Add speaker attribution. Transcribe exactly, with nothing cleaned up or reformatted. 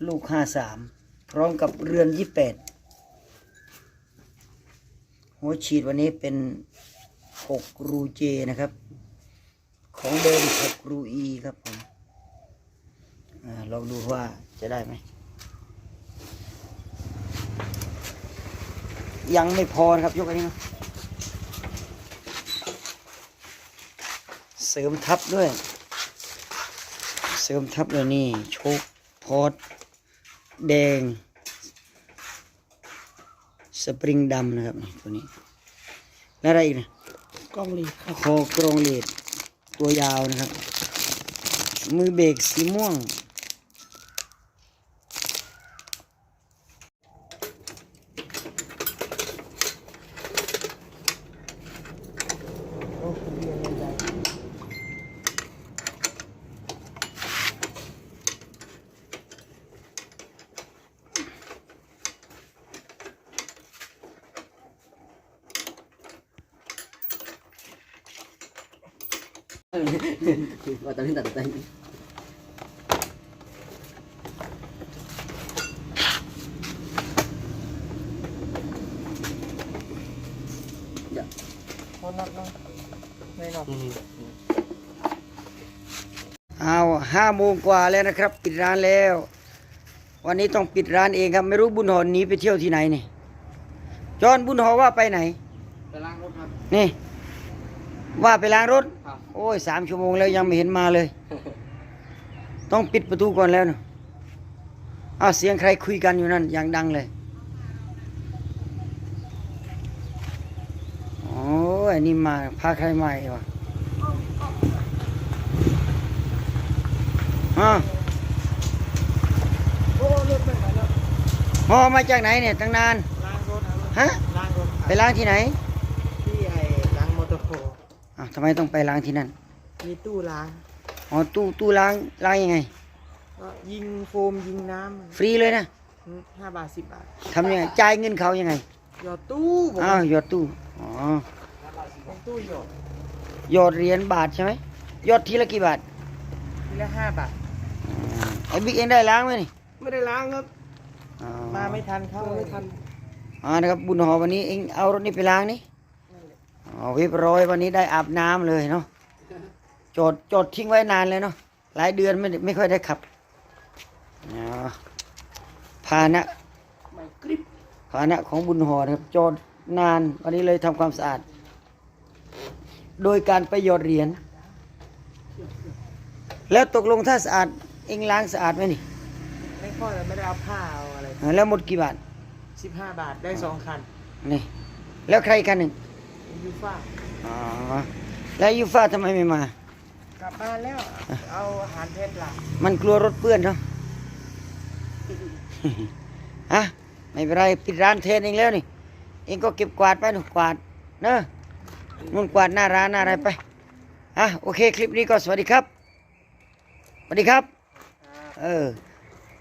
Speaker 1: ลูกห้าสามพร้อมกับเรือนยี่แปดหัวฉีดวันนี้เป็นหกรูเจนะครับของเดิมหกรูอีครับผมอลองดูว่าจะได้ไหมยังไม่พอนะครับยกอันนี้มาเสริมทับด้วยเสริมทับเลยนี่โชคพอดแดงสปริงดำนะครับตัวนี้แล้วอะไรอีกนะกล้องลีดคอกรองลีดตัวยาวนะครับมือเบรกสีม่วง
Speaker 2: ว่าตอนนี้ตัดใจ
Speaker 1: เอาห้าโมงกว่าแล้วนะครับปิดร้านแล้ววันนี้ต้องปิดร้านเองครับไม่รู้บุญหอหนีไปเที่ยวที่ไหนนี่จอนบุญหอว่าไปไหน
Speaker 2: ไปล้างรถครับ
Speaker 1: นี่ว่าไปล้างรถ
Speaker 2: ครับ
Speaker 1: โอ้ยสามชั่วโมงแล้วยังไม่เห็นมาเลย ต้องปิดประตูก่อนแล้วนะอ้าวเสียงใครคุยกันอยู่นั่นอย่างดังเลยโอ้ยนี่มาพาใครมาอีกวะฮะฮอมาจากไหนเนี่ยตั้งนาน
Speaker 2: ล้างรถ
Speaker 1: ฮะ
Speaker 2: ล้างรถ
Speaker 1: ไปล้างที่ไหน
Speaker 2: ที่ไอ้ล้างมอเตอร์โฟร์
Speaker 1: อ้าวทำไมต้องไปล้างที่นั่น
Speaker 2: มีตู้ล้าง
Speaker 1: อ๋อตู้ตู้ล้างล้างยังไง
Speaker 2: ก็ยิงโฟมยิงน้ำ
Speaker 1: ฟรีเลยนะ
Speaker 2: ห้าบาทสิบบาท
Speaker 1: ทำยังไงจ่ายเงินเขายังไง
Speaker 2: หยอดตู้ผม
Speaker 1: อ้าวหยอดตู้อ๋อ
Speaker 2: ของตู้หยอด
Speaker 1: หยอดเหรียญบาทใช่ไหมหยอดทีละกี่บาท
Speaker 2: ทีละห้าบาท
Speaker 1: ไอ้บิ๊กเองได้ล้างไหมนี่
Speaker 2: ไม่ได้ล้างครับมาไม่ทันเข้าไม่ทัน
Speaker 1: อ่านะครับบุญหอวันนี้เองเอารถนี้ไปล้างนี่อ๋อเรียบร้อยวันนี้ได้อาบน้ำเลยเนาะจอดจอดทิ้งไว้นานเลยเนาะหลายเดือนไม่ไม่ค่อยได้ขับพาหนะพาหนะของบุญหอนะครับจอดนานวันนี้เลยทำความสะอาดโดยการไปหยอดเหรียญแล้วตกลงถ้าสะอาดเองล้างสะอาดไหมนี่
Speaker 2: ไม่ค่อยไม่ได้เอาผ้าเอาอะไร
Speaker 1: แล้วหมดกี่บาท
Speaker 2: สิบห้าบาทได้สองคัน
Speaker 1: นี่แล้วใครคันหนึ่ง
Speaker 2: ยูฟ่า
Speaker 1: อ๋อแล้วยูฟ่าทำไมไม่มาก
Speaker 2: ลับบ้านแล้วเอาอาหารเพชรหลัก
Speaker 1: มันกลัวรถเปื้อนเนาะฮะไม่เป็นไรปิดร้านเทนเองแล้วนี่เองก็เก็บกวาดไปหนูกวาดเนอะนุ่นกวาดหน้าร้านหน้าอะไรไปอ่ะโอเคคลิปนี้ก็สวัสดีครับสวัสดีครับเออ